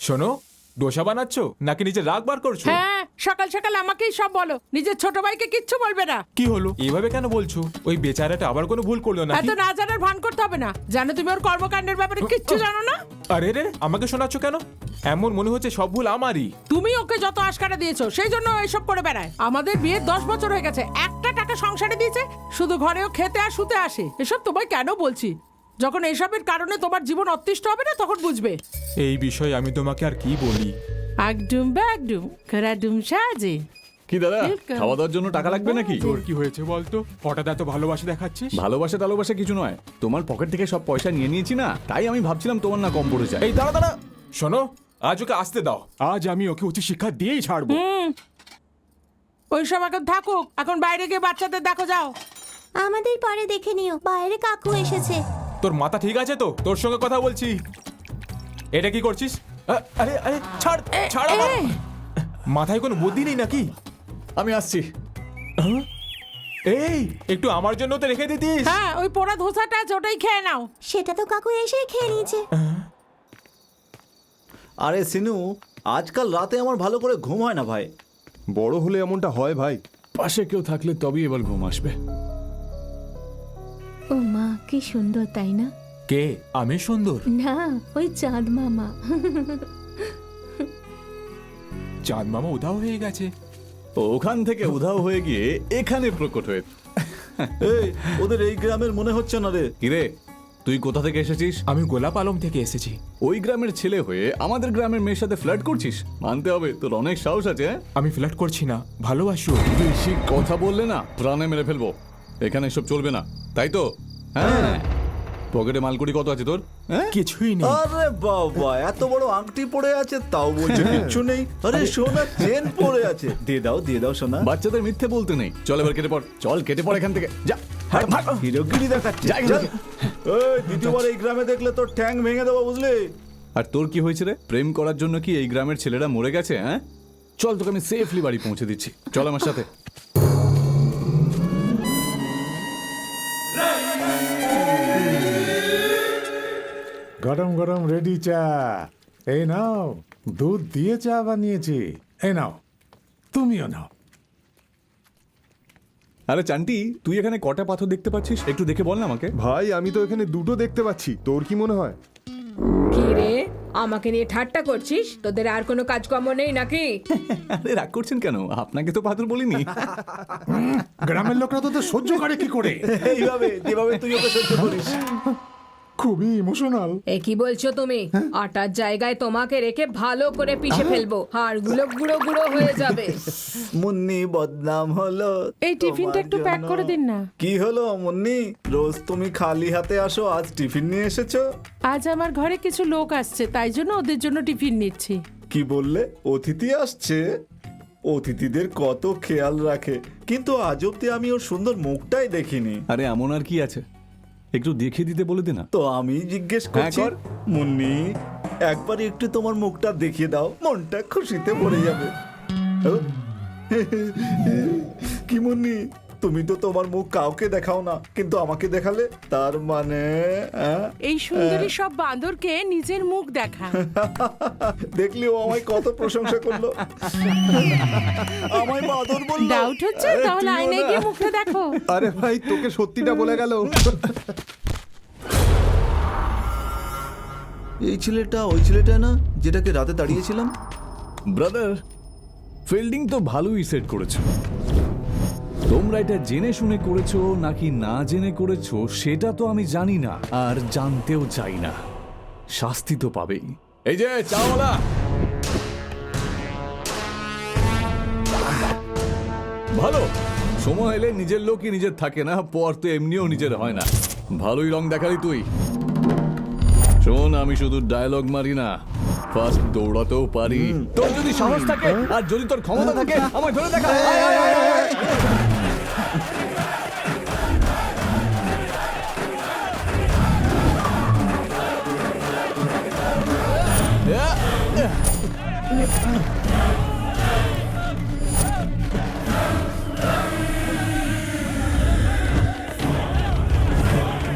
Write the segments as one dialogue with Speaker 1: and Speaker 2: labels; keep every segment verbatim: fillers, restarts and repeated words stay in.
Speaker 1: শোনো, ডোসা বানাচ্ছ নাকি নিজে রাগ বার করছো?
Speaker 2: হ্যাঁ, সকাল সকাল আমাকেই সব বলো, নিজের ছোট ভাইকে কিচ্ছু বলবে না।
Speaker 1: কি হলো এইভাবে কেন বলছো? ওই বেচারাটা আবার কোনো ভুল করলো না?
Speaker 2: এত না জানার ভান করতে হবে না। জানো তুমি ওর কর্মকাণ্ডের ব্যাপারে কিচ্ছু জানো না।
Speaker 1: আরে রে, আমাকে শোনাচ্ছ কেন? এমন মনে হচ্ছে সব ভুল আমারই।
Speaker 2: তুমি ওকে যত আশকারা দিয়েছো সেই জন্য ও এসব করে বেড়ায়। আমাদের বিয়ে দশ বছর হয়ে গেছে, একটা টাকা সংসারে দিয়েছে? শুধু ঘরেও খেতে আর শুতে আসে। এসব তোমায় কেন বলছি, যখন এসবের কারণে তোমার জীবন অতিষ্ঠ হবে না তখন বুঝবে।
Speaker 1: এই বিষয়ে আমি তোমাকে আর কি বলি।
Speaker 2: একদম একদম করাডুম সাজে।
Speaker 3: কি দাদা, খাওয়া দাওয়ার জন্য টাকা লাগবে নাকি?
Speaker 1: তোর কি হয়েছে বলতো? হঠাৎ এত ভালোবাসা দেখাচ্ছিস?
Speaker 3: ভালোবাসা টালোবাসা কিছু নয়, তোমার পকেট থেকে সব পয়সা নিয়ে নিয়েছি না, তাই আমি ভাবছিলাম তোমার না কম পড়ে যায়।
Speaker 1: এই দাঁড়া দাঁড়া, শোনো, আজ ওকে আসতে দাও। আজ আমি ওকে উচিত শিক্ষা দিয়েই ছাড়বো।
Speaker 2: ওইসব এখন থাকুক, এখন বাইরে গিয়ে বাচ্চাদের দেখো যাও।
Speaker 4: আমাদের পরে দেখে নিও, বাইরে কাকু এসেছে।
Speaker 1: তোর মাথা ঠিক আছে তো? তোর সঙ্গে কথা বলছি। এটা কি করছিস? আ- আরে আরে ছাড় ছাড় আমার।
Speaker 2: এ,
Speaker 1: মাথায় কোনো বুদ্ধি নেই নাকি?
Speaker 3: আমি আসছি।
Speaker 1: এই একটু আমার জন্য তো রেখে দিতিস।
Speaker 2: হ্যাঁ, ওই পোড়া ধোসাটা আছে, ওটাই খেয়ে নাও।
Speaker 4: সেটা তো কাকু এসেই খেয়ে নিয়েছে।
Speaker 5: আরে সিনু, আজকাল রাতে আমার ভালো করে ঘুম হয় না ভাই।
Speaker 6: বড় হলে এমনটা হয় ভাই।
Speaker 3: পাশে কেউ থাকলে তবেই এবার ঘুম আসবে।
Speaker 4: ও মা, কি সুন্দর তাই না?
Speaker 1: কে? আমি সুন্দর?
Speaker 4: না, ওই চাঁদ মামা।
Speaker 1: চাঁদ মামা উধাও হয়ে গেছে।
Speaker 3: ওখান থেকে উধাও হয়ে গিয়ে এখানে প্রকট হয়ে।
Speaker 5: এই, ওদের এই গ্রামের মনে হচ্ছে না রে।
Speaker 3: কিরে, তুই কোথা থেকে এসেছিস?
Speaker 1: আমি গোলাপ আলম থেকে এসেছি।
Speaker 3: ওই গ্রামের ছেলে হয়ে আমাদের গ্রামের মেয়ের সাথে ফ্লার্ট করছিস? মানতে হবে তোর অনেক সাহস আছে। হ্যাঁ?
Speaker 1: আমি ফ্লার্ট করছি না, ভালোবাসি ওকে।
Speaker 3: বেশি কথা বললে না প্রাণে মেরে ফেলবো। এখানে এসব চলবে না, তাই তো? হ্যাঁ। পকেটে মালকুড়ি কত আছে তোর? হ্যাঁ?
Speaker 1: কিছুই নেই।
Speaker 5: আরে বাবা, এত বড় আংটি পড়ে আছে তাও বলছে কিচ্ছু নেই। আরে সোনা চেন পড়ে আছে, দিয়ে দাও দিয়ে দাও সোনা।
Speaker 3: বাচ্চাদের মিথ্যে বলতে নেই। চল এবার কেটে পড়, চল কেটে পড় এখান থেকে, যা।
Speaker 5: হিরোগিরি দেখাচ্ছে।
Speaker 3: যা এখান
Speaker 5: চল।
Speaker 3: থেকে।
Speaker 5: এই, দ্বিতীয়বার এই গ্রামে দেখলে তোর ঠ্যাং ভেঙে দেবো, বুঝলি?
Speaker 3: আর তোর কি হয়েছে রে? প্রেম করার জন্য কি এই গ্রামের ছেলেরা মরে গেছে? হ্যাঁ, চল তোকে আমি সেফলি বাড়ি পৌঁছে দিচ্ছি, চল আমার সাথে।
Speaker 7: গরম গরম রেডি চা। এই নাও, দুধ দিয়ে চা বানিয়েছি। এই নাও, তুমিও নাও।
Speaker 3: আরে চান্টি, তুই এখানে কটা পাথর দেখতে পাচ্ছিস? একটু দেখে বল না আমাকে।
Speaker 6: ভাই আমি তো এখানে দুটো দেখতে পাচ্ছি, তোর কি মনে হয়?
Speaker 8: কি রে, আমাকে নিয়ে ঠাট্টা করছিস? তোদের আর কোনো কাজকর্ম নেই নাকি?
Speaker 3: আরে রাগ করছেন কেন? আপনাকে তো পাথর বলিনি।
Speaker 7: গ্রামের লোকরা তোদের সহ্য করে কি করে?
Speaker 5: এইভাবে যেভাবে তুই ওকে সহ্য করিস।
Speaker 7: খুবই ইমোশনাল।
Speaker 8: এ কি বলছো তুমি? আটার জায়গায় তোমাকে রেখে ভালো করে পিষে ফেলবো, হাড়গুলো গুঁড়ো গুঁড়ো হয়ে যাবে।
Speaker 5: মুন্নি বদনাম হলো।
Speaker 2: এই টিফিনটা একটু প্যাক করে দিন না।
Speaker 5: কি হলো মুন্নি, রোজ তুমি খালি হাতে আসো, আজ টিফিন নিয়ে এসেছো?
Speaker 2: আজ আমার ঘরে কিছু লোক আসছে, তাই জন্য ওদের জন্য টিফিন নিচ্ছি।
Speaker 5: কি বললে? অতিথি আসছে? অতিথিদের কত খেয়াল রাখে, কিন্তু আজ অব্দি আমি ওর সুন্দর মুখটাই দেখিনি।
Speaker 3: আরে এমন আর কি আছে, একটু দেখে দিতে বলে দে না।
Speaker 5: তো আমি জিজ্ঞেস
Speaker 3: হ্যাঁ,
Speaker 5: করছি,
Speaker 3: কর।
Speaker 5: মুন্নি একবার একটু তোমার মুখটা দেখিয়ে দাও, মনটা খুশিতে ভরে যাবে। কি মুন্নি, তুমি তো তোমার মুখ কাউকে দেখাও না, কিন্তু আমাকে দেখালে, তার মানে আহ?
Speaker 2: এই সুন্দরী সব বাঁদরকে নিজের মুখ দেখা।
Speaker 5: দেখলি ও আমায় কত প্রশংসা করলো। আমায় বাদর বললো।
Speaker 2: ডাউট হচ্ছে?
Speaker 5: আরে,
Speaker 2: তাহলে
Speaker 5: তুইও
Speaker 2: আয়নায়
Speaker 5: না।
Speaker 2: গিয়ে মুখটা দেখো।
Speaker 6: আরে ভাই, তোকে সত্যিটা বলে গেল।
Speaker 5: এই ছেলেটা ওই ছেলেটা না, যেটাকে রাতে দাঁড়িয়েছিলাম?
Speaker 3: ব্রাদার, ফিল্ডিং তো ভালোই সেট করেছো। তোমরা এটা জেনে শুনে করেছো নাকি না জেনে করেছো সেটা তো আমি জানি না, আর জানতেও চাই না। শাস্তি তো পাবেই। এই যে চাওয়ালা, ভালো সময় এলে নিজের লোকই নিজের থাকে না, পর তো এমনিও নিজের হয় না। ভালোই রং দেখালি তুই। শোন, আমি শুধু ডায়লগ মারি না, ফার্স্ট দৌড়াতেও পারি। তোর যদি সাহস থাকে আর যদি তোর ক্ষমতা থাকে, আমায় ধরে দেখা। আয়, আয়, আয়, আয়, আয়।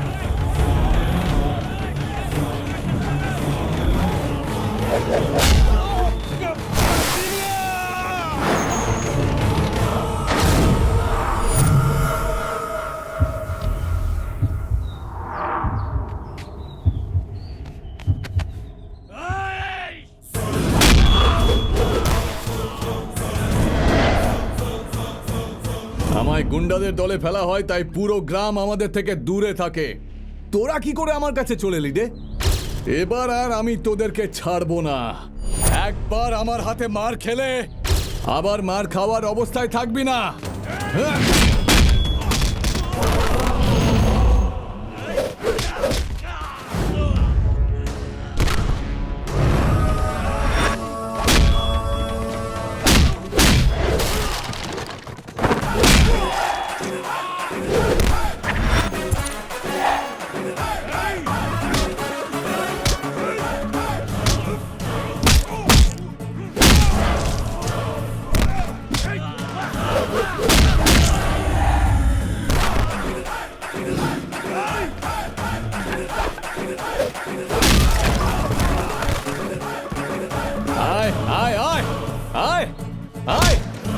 Speaker 3: Yeah. আমায় গুন্ডাদের দলে ফেলা হয়, তাই পুরো গ্রাম আমাদের থেকে দূরে থাকে। তোরা কি করে আমার কাছে চলে এলি রে? এবার আর আমি তোদেরকে ছাড়বো না। একবার আমার হাতে মার খেলে আবার মার খাওয়ার অবস্থায় থাকবি না। হ্যাঁ? আয় আয় আয় আয় আয়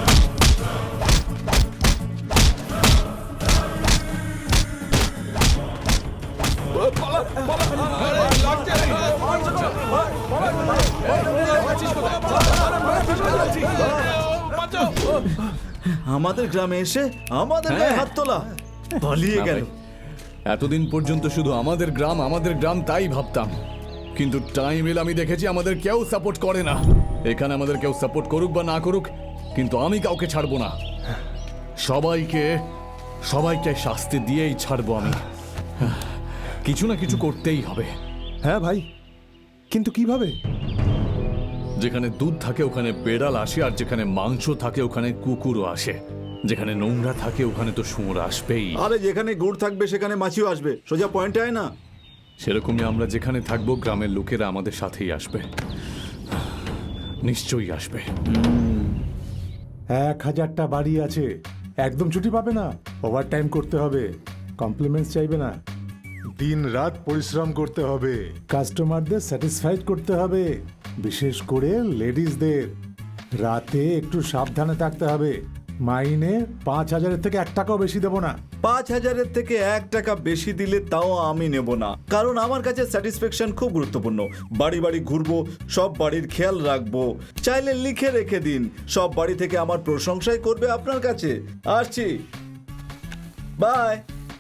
Speaker 5: আমাদের গ্রামে এসে আমাদের গায়ে হাত তোলা, পালিয়ে
Speaker 3: না
Speaker 5: গেল।
Speaker 3: ভাই, এতদিন পর্যন্ত শুধু আমাদের গ্রাম আমাদের গ্রাম তাই ভাবতাম, কিন্তু টাইম এলে আমি দেখেছি আমাদের কেউ সাপোর্ট করে না। এখানে আমাদের কেউ সাপোর্ট করুক বা না করুক, কিন্তু আমি কাউকে ছাড়বো না। সবাইকে সবাইকে শাস্তি দিয়েই ছাড়বো আমি। কিছু না কিছু করতেই হবে।
Speaker 6: হ্যাঁ ভাই, কিন্তু কিভাবে?
Speaker 3: যেখানে দুধ থাকে ওখানে বেড়াল আসে, আর যেখানে মাংস থাকে ওখানে কুকুরও আসে। যেখানে নোংরা থাকে ওখানে তো শুঁড় আসবেই।
Speaker 5: আরে যেখানে গুড় থাকবে সেখানে মাছিও আসবে, সোজা পয়েন্টে আয় না।
Speaker 3: সেরকমই আমরা যেখানে থাকবো গ্রামের লোকেরা আমাদের সাথেই আসবে, নিশ্চয়ই আসবে।
Speaker 7: এক হাজারটা বাড়ি আছে, একদম ছুটি পাবে না। ওভার টাইম করতে হবে, কমপ্লিমেন্টস চাইবে না। দিন রাত পরিশ্রম করতে হবে, কাস্টমারদের স্যাটিসফাইড করতে হবে, বিশেষ করে লেডিসদের। রাতে একটু সাবধানে থাকতে হবে। মাইনে পাঁচ হাজারের থেকে এক টাকাও বেশি দেবো না।
Speaker 5: পাঁচ হাজারের থেকে এক টাকা বেশি দিলে তাও আমি নেব না, কারণ আমার কাছে স্যাটিসফ্যাকশন খুব গুরুত্বপূর্ণ। বাড়ি বাড়ি ঘুরবো, সব বাড়ির খেয়াল রাখবো। চাইলে লিখে রেখে দিন, সব বাড়ি থেকে আমার প্রশংসাই করবে আপনার কাছে। আসছি, বাই।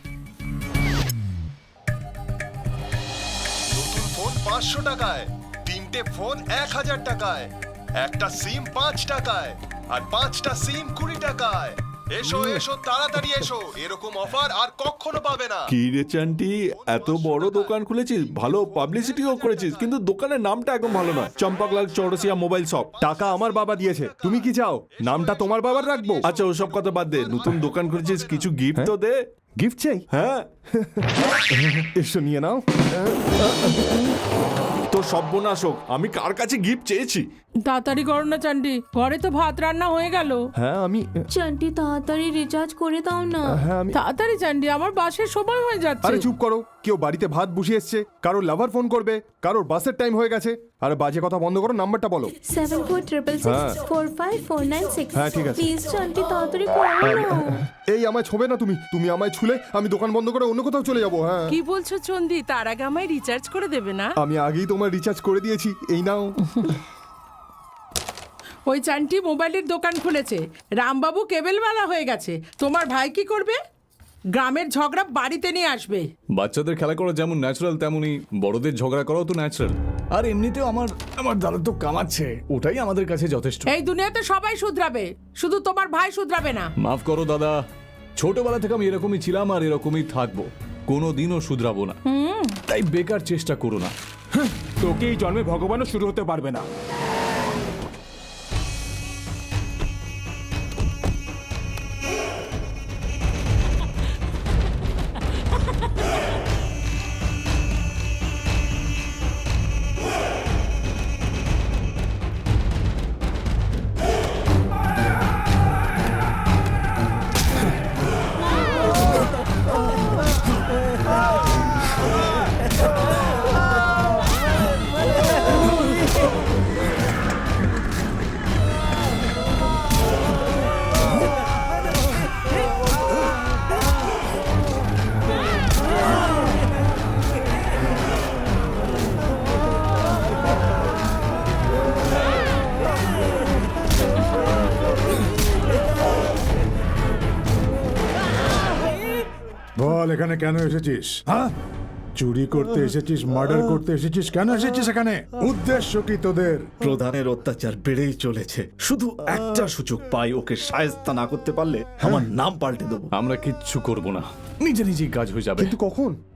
Speaker 9: নতুন ফোন পাঁচশো টাকায়, তিনটে ফোন এক হাজার টাকায়, একটা সিম পাঁচ টাকায়, আর পাঁচটা সিম কুড়ি টাকায়। এসো এসো তাড়াতাড়ি এসো, এরকম অফার আর কখনো পাবে না।
Speaker 10: কি রে চান্টি, এত বড় দোকান খুলেছিস, ভালো পাবলিসিটিও করেছিস, কিন্তু দোকানের নামটা একদম ভালো নয়। Champaklal Chaurasia mobile shop.
Speaker 6: টাকা আমার বাবা দিয়েছে, তুমি কি চাও নামটা তোমার বাবার রাখবো?
Speaker 10: আচ্ছা ওসব কথা বাদ দে, নতুন দোকান খুলেছিস, কিছু গিফট তো দে।
Speaker 6: গিফট চাই?
Speaker 10: হ্যাঁ
Speaker 6: এসো নিয়ে নাও।
Speaker 10: তো সর্বনাশ হোক, আমি কার কাছে গিফট চেয়েছি?
Speaker 2: তাড়াতাড়ি করো না চান্ডি, ঘরে তো ভাত রান্না হয়ে গেল।
Speaker 6: হ্যাঁ আমি
Speaker 4: চান্টি তাড়াতাড়ি রিচার্জ করে দাও না।
Speaker 6: হ্যাঁ আমি
Speaker 2: তাড়াতাড়ি চান্ডি, আমার বাসের সময় হয়ে যাচ্ছে।
Speaker 6: আরে চুপ করো, কেউ বাড়িতে ভাত বসিয়ে এসছে, কারোর লাভার ফোন করবে, কারোর বাসের টাইম হয়ে গেছে। আরে বাজে কথা বন্ধ করো, নাম্বারটা বলো।
Speaker 4: Seven four triple six four five four nine six.
Speaker 6: হ্যাঁ, ঠিক আছে।
Speaker 4: প্লিজ চান্টি তাড়াতাড়ি করো না।
Speaker 6: এই আমায় ছোবে না তুমি, তুমি আমায় ছুলে আমি দোকান বন্ধ করে অন্য কোথাও চলে যাবো। হ্যাঁ
Speaker 2: কি বলছো চন্দি, তার আগে আমায় রিচার্জ করে দেবে না?
Speaker 6: আমি আগেই তোমার রিচার্জ করে দিয়েছি, এই নাও।
Speaker 2: ওই চান্টি মোবাইলের দোকান খুলেছে, রামবাবু কেবেলওয়ালা হয়ে গেছে। তোমার ভাই কি করবে? গ্রামের ঝগড়া বাড়িতে নিয়ে আসবে।
Speaker 3: বাচ্চাদের খেলা করা যেমন ন্যাচারাল, তেমনই বড়দের ঝগড়া করাও তো ন্যাচারাল। আর এমনিতেও আমার আমার দাদা তো কামাচ্ছে, ওটাই আমাদের কাছে যথেষ্ট।
Speaker 2: এই দুনিয়াতে সবাই শুধরাবে, শুধু তোমার ভাই শুধরাবে না।
Speaker 3: মাফ করো দাদা, ছোটবেলা থেকে আমি এরকমই ছিলাম আর এরকমই থাকবো, কোনো দিনও শুধরাবো না। তাই বেকার চেষ্টা করো না।
Speaker 1: তোকে এই জন্মে ভগবানও শুরু হতে পারবে না।
Speaker 7: বল এখানে কেন এসেছিস? হ্যাঁ, চুরি করতে এসেছিস, মার্ডার করতে এসেছিস, কেন এসেছিস এখানে? উদ্দেশ্য কি তোদের?
Speaker 5: প্রধানের অত্যাচার বেড়েই চলেছে, শুধু একটা সুযোগ পাই, ওকে শায়েস্তা না করতে পারলে আমার নাম পাল্টে দেবো।
Speaker 3: আমরা কিচ্ছু করব না, নিজে নিজেই কাজ হয়ে যাবে।
Speaker 6: কিন্তু কখন?